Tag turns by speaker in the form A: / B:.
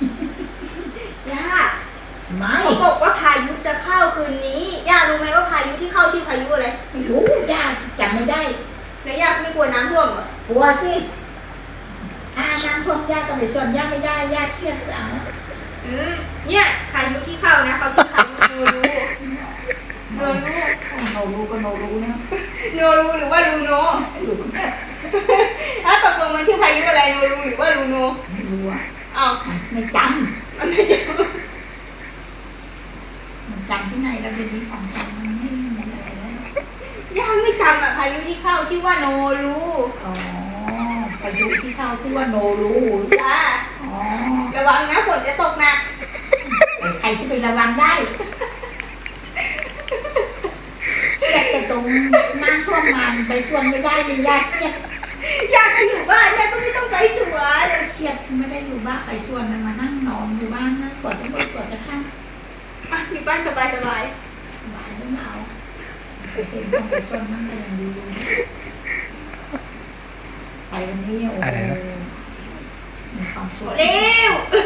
A: ย่า
B: ไม่
A: เขาบอกว่าพายุจะเข้าคืนนี้ย่ารู้ไหมว่าพายุที่เข้าชื่อพายุอะไร
B: ไม่รู้ย่าจำไม่ได้
A: แล้วย่าไม่กลัวน้ำท่วมเหรอก
B: ลัวสิถ้าน้ำท่วมย่าก็ไม่ส่วนย่าไม่ได้ย่าเครียดเอา
A: เนี่ยพายุที่เข้านะเขาชื่อพายุโนรูโนรู
B: โนรู้ก็โนรู้นะ
A: โนรูหรือว่าลูโน
B: รู้
A: ถ้าตกลงมันชื่อพายุอะไรโนรูหรือว่าลูโน
B: ไม่รู้อ่ะ
A: อ้าว
B: ไม่จ
A: มันไม่รู้
B: ำมันจำที่ไหนแล้วเป็นนี้ของจำมันไม่มีอะไรแล้ว
A: ย่าไม่จำอะพายุที่เข้าชื่อว่าโนรู
B: อ๋อพายุที่เข้าชื่อว่าโนรู้
A: จ้า
B: อ๋อ
A: ระวังนะฝนจะตกหนัก
B: แต่ใครที่ไประวังได้เครียดแต่ตรงน้ำท่วมมาไปส่วนไม่ได้เลยย่าเครียด
A: ย่าก็อยู่บ้านย่าก็ไม่ต้องไปสวน
B: เครียดไม่ได้อยู่บ้านไปส่วนมันมานั่งนอนอยู่บ้านนะกว่าจะเปิดกว่าจะข้าม
A: อ่ะอยู่บ้านสบายสบาย
B: หวานไม่เอาไปเห็นต้องไปส่วนนั่งก็ยังดีอยู่ไปวันนี้โอ้โหมีความสุข
A: เร็ว